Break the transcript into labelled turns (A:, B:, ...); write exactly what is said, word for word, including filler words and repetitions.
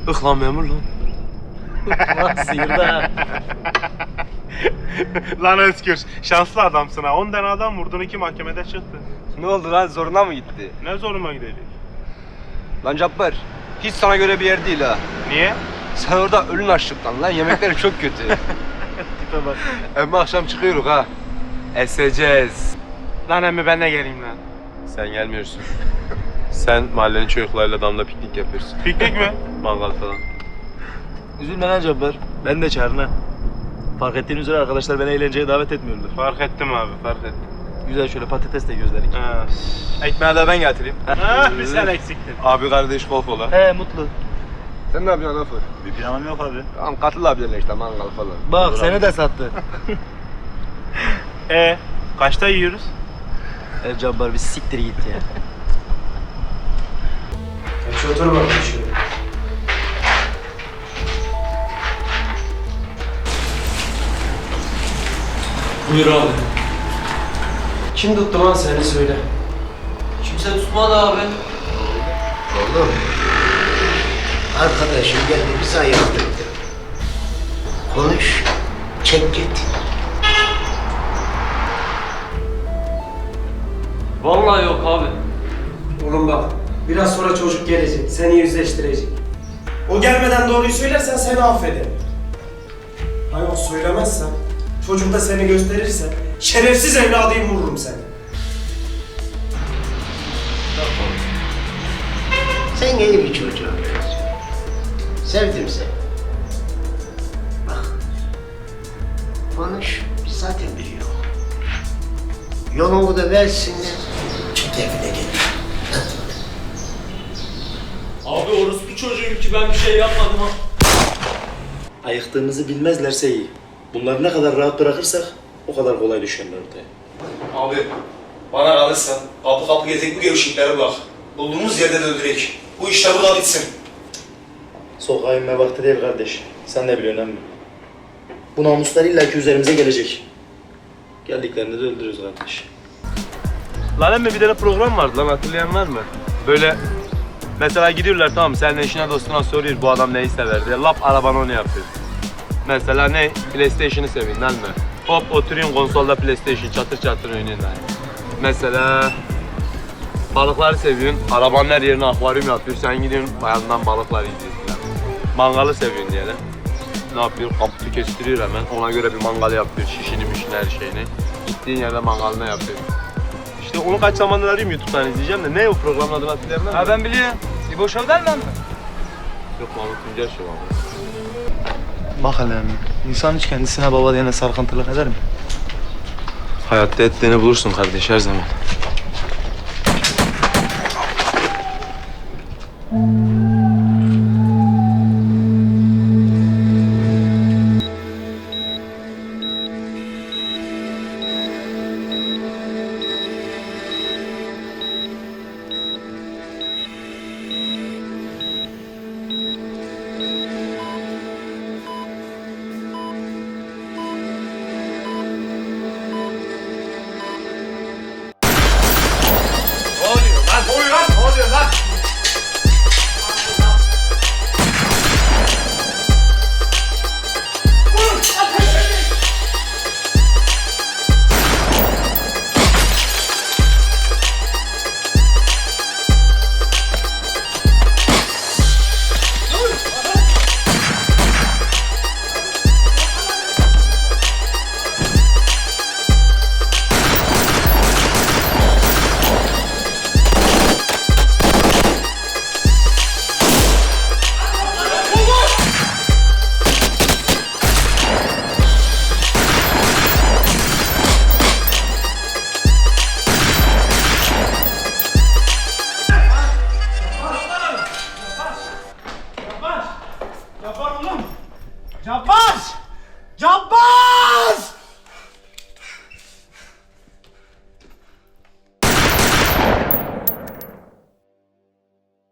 A: Ih lan memur lan.
B: Lan sıyırdı ha.
C: Lan Özgür, şanslı adamsın ha. On tane adam vurdun, iki mahkemede çıktı.
A: Ne oldu lan, zoruna mı gitti?
C: Ne zoruma gidecek?
A: Lan Cabbar, hiç sana göre bir yer değil ha.
C: Niye?
A: Sen orada ölün açlıktan lan, yemekleri çok kötü.
C: Tipe bak.
A: Ama akşam çıkıyoruz ha. Eseceğiz.
C: Lan emmi ben de geleyim lan.
A: Sen gelmiyorsun. Sen mahallenin çocuklarıyla damda piknik yapıyorsun.
C: Piknik mi?
A: Mangal falan.
B: Üzülme lan Cabbar. Ben de çağırın ha. Fark ettiğin üzere arkadaşlar beni eğlenceye davet etmiyorlar.
C: Fark ettim abi, fark ettim.
B: Güzel şöyle patates de gözlerik.
C: Ha.
A: Ekmeği de ben getireyim.
C: Ah, bir sen eksiktin.
A: Abi kardeş golf ola.
B: He mutlu.
A: Sen ne yapıyorsun Afır?
B: Bir planım yok abi.
A: Tamam katıl abilerle işte mangal falan.
B: Bak Olur seni abi. de sattı.
C: Ee, kaçta yiyoruz?
B: El Cabbar bir siktir git ya.
D: Şu otur bakayım şöyle.
B: Buyur abi.
D: Kim tuttu lan seni söyle.
B: Kimse tutmadı abi.
E: Oğlum, arkadaşım geldi bizi ayırttı. Konuş, çek git.
B: Vallahi yok abi.
D: Oğlum bak, biraz sonra çocuk gelecek, seni yüzleştirecek. O gelmeden doğruyu söylersen seni affederim. Ha yok söylemezsen, çocuk da seni gösterirse, şerefsiz evladıyım vururum seni.
E: Sen iyi bir çocuğum. Sevdim seni. Bak, konuş, biz zaten biliyoruz. Yolunu da versinler, çık evine gel.
B: Abi orospu çocuğum ki ben bir şey yapmadım ha. Ayıktığımızı bilmezlerse iyi. Bunları ne kadar rahat bırakırsak o kadar kolay düşerler ortaya.
F: Abi, bana kalırsa kapı kapı gezek bu gevşeklere bak. Bulduğumuz yerde de öldürek. Bu işler burada bitsin.
B: Sokağa inme vakti değil kardeş. Sen de biliyorsun emmi. Bu namuslar illaki üzerimize gelecek. Geldiklerinde de öldürürüz kardeş.
A: Lan emmi bir tane program vardı lan, hatırlayan var mı? Böyle mesela gidiyorlar, tamam senin eşine dostuna soruyor bu adam neyi sever diye, lap araban onu yapıyor. Mesela ne? PlayStation'ı seviyorsun değil mi? Hop oturuyorsun konsolda PlayStation çatır çatır oynuyorsun yani. Mesela balıkları seviyorsun, arabanın her yerine akvaryum yapıyor, sen gidiyorsun bayandan balıklar izliyorsun yani. Mangalı seviyorsun diyelim. Ne yapıyor? Kapıyı kestiriyor hemen, ona göre bir mangal yapıyor, şişini mişini her şeyini. Gittiğin yerde mangalını yapıyor. İşte onu kaç zamandır arıyorum YouTube'dan izleyeceğim de ne o programın adını hatırlayamam.
B: Ha ben biliyorum. İbo Show'dan mı?
A: Yok Mahmut Tuncer Show abi.
B: Bak hele emmi. İnsan hiç kendisine baba diyene sarkıntılık eder mi?
A: Hayatta ettiğini bulursun kardeş her zaman.
D: Cabbar! Cabbar!